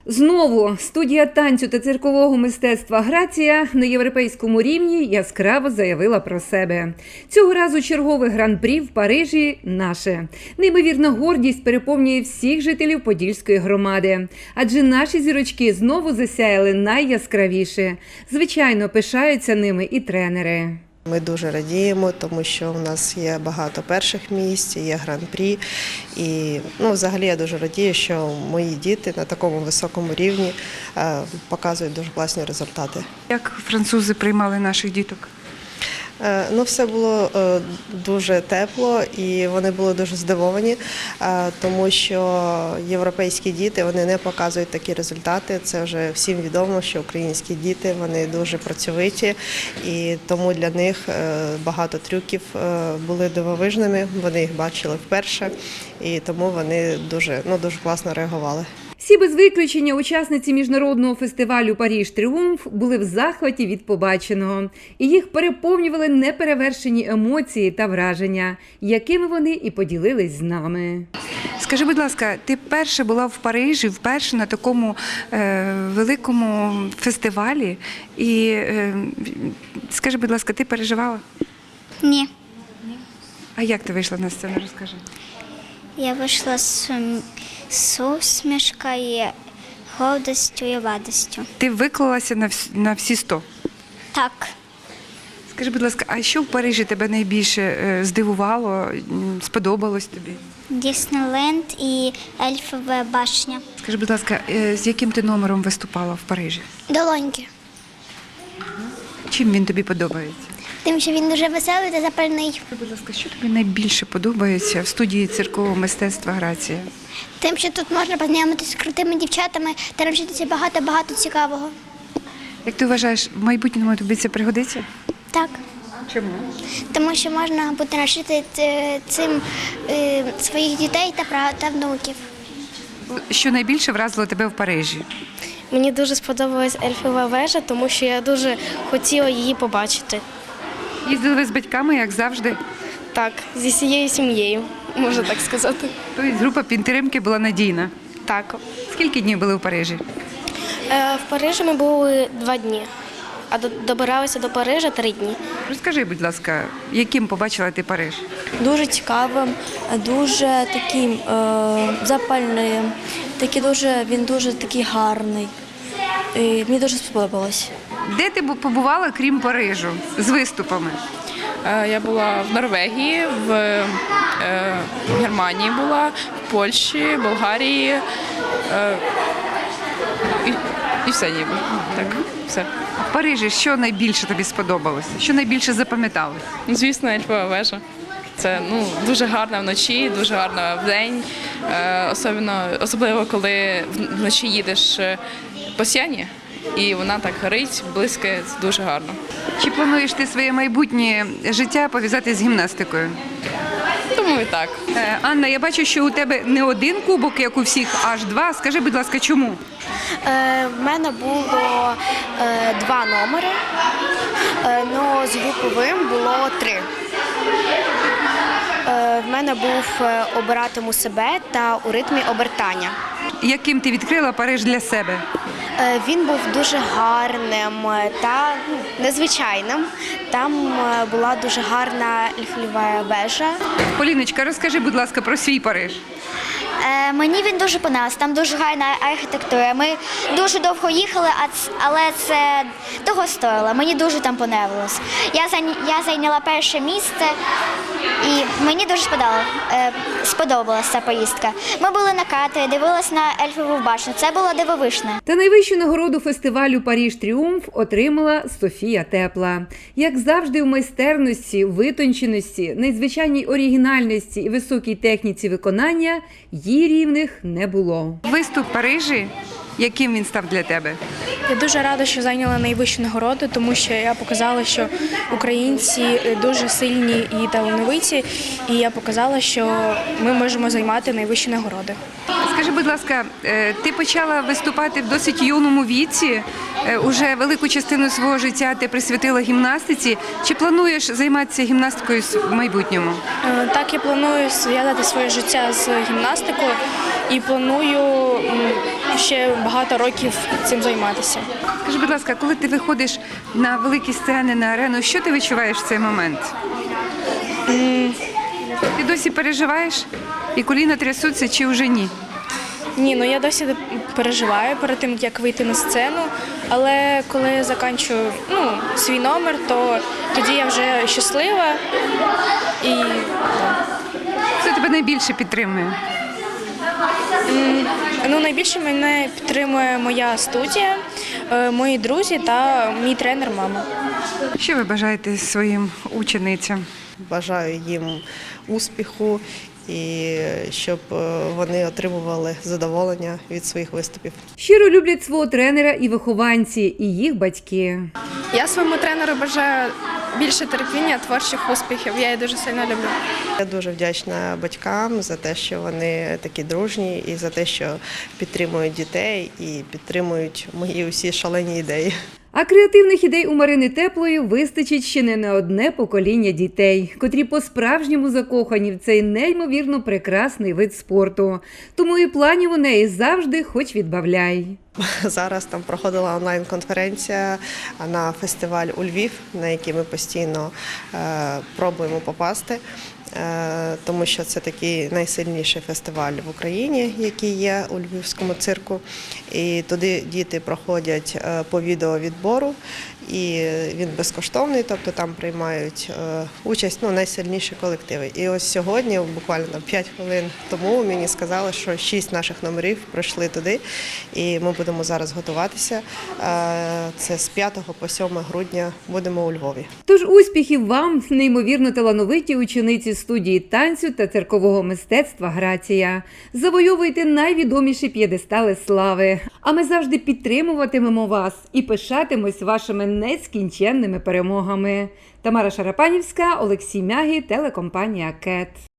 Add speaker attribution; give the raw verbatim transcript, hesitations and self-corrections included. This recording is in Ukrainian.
Speaker 1: Знову студія танцю та циркового мистецтва «Грація» на європейському рівні яскраво заявила про себе. Цього разу чергове гран-прі в Парижі наше. Неймовірна гордість переповнює всіх жителів Подільської громади. Адже наші зірочки знову засяяли найяскравіше. Звичайно, пишаються ними і тренери.
Speaker 2: Ми дуже радіємо, тому що в нас є багато перших місць, є гран-прі. І ну, взагалі я дуже радію, що мої діти на такому високому рівні е, показують дуже класні результати.
Speaker 3: Як французи приймали наших діток?
Speaker 2: Е, ну, все було е, дуже тепло і вони були дуже здивовані, е, тому що європейські діти вони не показують такі результати. Це вже всім відомо, що українські діти вони дуже працьовиті і тому для них е, багато трюків е, були дивовижними. Вони їх бачили вперше і тому вони дуже, ну, дуже класно реагували.
Speaker 1: Всі без виключення учасниці міжнародного фестивалю «Париж Тріумф» були в захваті від побаченого. І їх переповнювали неперевершені емоції та враження, якими вони і поділились з нами.
Speaker 3: Скажи, будь ласка, ти перша була в Парижі, вперше на такому е, великому фестивалі. І е, скажи, будь ласка, ти переживала?
Speaker 4: Ні.
Speaker 3: А як ти вийшла на сцену, розкажи?
Speaker 4: Я вийшла з, з усмішкою, гордістю і радістю.
Speaker 3: Ти виклалася на, вс, на всі сто?
Speaker 4: Так.
Speaker 3: Скажи, будь ласка, а що в Парижі тебе найбільше е, здивувало, м, сподобалось тобі?
Speaker 4: Діснейленд і Ельфова башня.
Speaker 3: Скажи, будь ласка, е, з яким ти номером виступала в Парижі?
Speaker 4: Долоньки.
Speaker 3: Чим він тобі подобається?
Speaker 4: Тим, що він дуже веселий та запальний.
Speaker 3: Будь ласка, що тобі найбільше подобається в студії циркового мистецтва «Грація»?
Speaker 4: Тим, що тут можна познайомитися з крутими дівчатами та навчитися багато-багато цікавого.
Speaker 3: Як ти вважаєш, в майбутньому тобі це пригодиться?
Speaker 4: Так.
Speaker 3: Чому?
Speaker 4: Тому що можна буде навчити е, цим е, своїх дітей та прав- та внуків.
Speaker 3: Що найбільше вразило тебе в Парижі?
Speaker 5: Мені дуже сподобалась Ельфова вежа, тому що я дуже хотіла її побачити.
Speaker 3: Їздили ви з батьками, як завжди?
Speaker 5: Так, зі всією сім'єю, можна так сказати.
Speaker 3: Тобто група підтримки була надійна.
Speaker 5: Так.
Speaker 3: Скільки днів були в Парижі?
Speaker 5: Е, в Парижі ми були два дні, а до- добиралися до Парижа три дні.
Speaker 3: Розкажи, будь ласка, яким побачила ти Париж?
Speaker 6: Дуже цікавим, дуже таким е, запальним, такий дуже, він дуже такий гарний. І мені дуже сподобалось.
Speaker 3: Де ти бу- побувала, крім Парижу, з виступами?
Speaker 7: Е, Я була в Норвегії, в е, Германії була, в Польщі, Болгарії е, і, і все ніби. Так, все.
Speaker 3: В Парижі що найбільше тобі сподобалося? Що найбільше запам'яталось?
Speaker 7: Ну, звісно, Ельфова вежа. Це ну, дуже гарно вночі, дуже гарно вдень. Е, особливо, особливо, коли в- вночі їдеш е, по Сіені, і вона так горить, блискає, це дуже гарно.
Speaker 3: Чи плануєш ти своє майбутнє життя пов'язати з гімнастикою?
Speaker 7: Тому і так.
Speaker 3: Е, Анна, я бачу, що у тебе не один кубок, як у всіх, аж два. Скажи, будь ласка, чому?
Speaker 5: Е, в мене було е, два номери, е, ну, з груповим було три. Е, в мене був е, «Обиратиму себе» та «У ритмі обертання».
Speaker 3: Яким ти відкрила Париж для себе?
Speaker 5: Е, Він був дуже гарним е, та ну, незвичайним. Там е, була дуже гарна ельфова вежа.
Speaker 3: Поліночка, розкажи, будь ласка, про свій Париж.
Speaker 4: Е, мені він дуже понравився, там дуже гарна архітектура. Ми дуже довго їхали, а ц- але це того стоїло. Мені дуже там понравилось. Я, зайня- я зайняла перше місце і мені дуже сподобало, е, сподобалася ця поїздка. Ми були на катері, дивилися на Ельфову башню. Це було дивовижно.
Speaker 1: Та найвищу нагороду фестивалю «Париж Тріумф» отримала Софія Тепла. Як завжди, в майстерності, витонченості, надзвичайній оригінальності і високій техніці виконання їй рівних не було.
Speaker 3: Виступ в Парижі, яким він став для тебе?
Speaker 5: Я дуже рада, що зайняла найвищу нагороду, тому що я показала, що українці дуже сильні і талановиті, і я показала, що ми можемо займати найвищі нагороди.
Speaker 3: Скажи, будь ласка, е, ти почала виступати в досить юному віці, е, уже велику частину свого життя ти присвятила гімнастиці. Чи плануєш займатися гімнастикою в майбутньому?
Speaker 5: Е, Так, я планую зв'язати своє життя з гімнастикою і планую м, буду ще багато років цим займатися.
Speaker 3: Скажи, будь ласка, коли ти виходиш на великі сцени, на арену, що ти відчуваєш в цей момент? Ти досі переживаєш? І коліна трясуться чи вже ні?
Speaker 5: Ні, ну я досі переживаю перед тим, як вийти на сцену, але коли я закінчую ну, свій номер, то тоді я вже щаслива і
Speaker 3: Хто тебе найбільше підтримує?
Speaker 5: ну, найбільше мене підтримує моя студія, е, мої друзі та мій тренер мама.
Speaker 3: Що ви бажаєте своїм ученицям?
Speaker 2: Бажаю їм успіху і щоб е, вони отримували задоволення від своїх виступів.
Speaker 1: Щиро люблять свого тренера і вихованці, і їх батьки.
Speaker 5: Я своєму тренеру бажаю більше терпіння, творчих успіхів. Я її дуже сильно люблю.
Speaker 2: Я дуже вдячна батькам за те, що вони такі дружні, і за те, що підтримують дітей і підтримують мої усі шалені ідеї.
Speaker 1: А креативних ідей у Марини Теплої вистачить ще не на одне покоління дітей, котрі по-справжньому закохані в цей неймовірно прекрасний вид спорту. Тому і планів у неї завжди хоч відбавляй.
Speaker 2: Зараз там проходила онлайн-конференція на фестиваль у Львів, на який ми постійно е, пробуємо попасти, е, тому що це такий найсильніший фестиваль в Україні, який є у Львівському цирку. І туди діти проходять е, по відеовідбору, і він безкоштовний, тобто там приймають е, участь ну, найсильніші колективи. І ось сьогодні, буквально п'ять хвилин тому, мені сказали, що шість наших номерів пройшли туди, і ми будемо зараз готуватися. Е, Це з п'ятого по сьоме грудня будемо у Львові.
Speaker 1: Тож успіхів вам, неймовірно талановиті учениці студії танцю та циркового мистецтва «Грація». Завойовуйте найвідоміші п'єдестали слави. А ми завжди підтримуватимемо вас і пишатимось вашими нескінченними перемогами. Тамара Шарапанівська, Олексій Мягі, телекомпанія «Кет».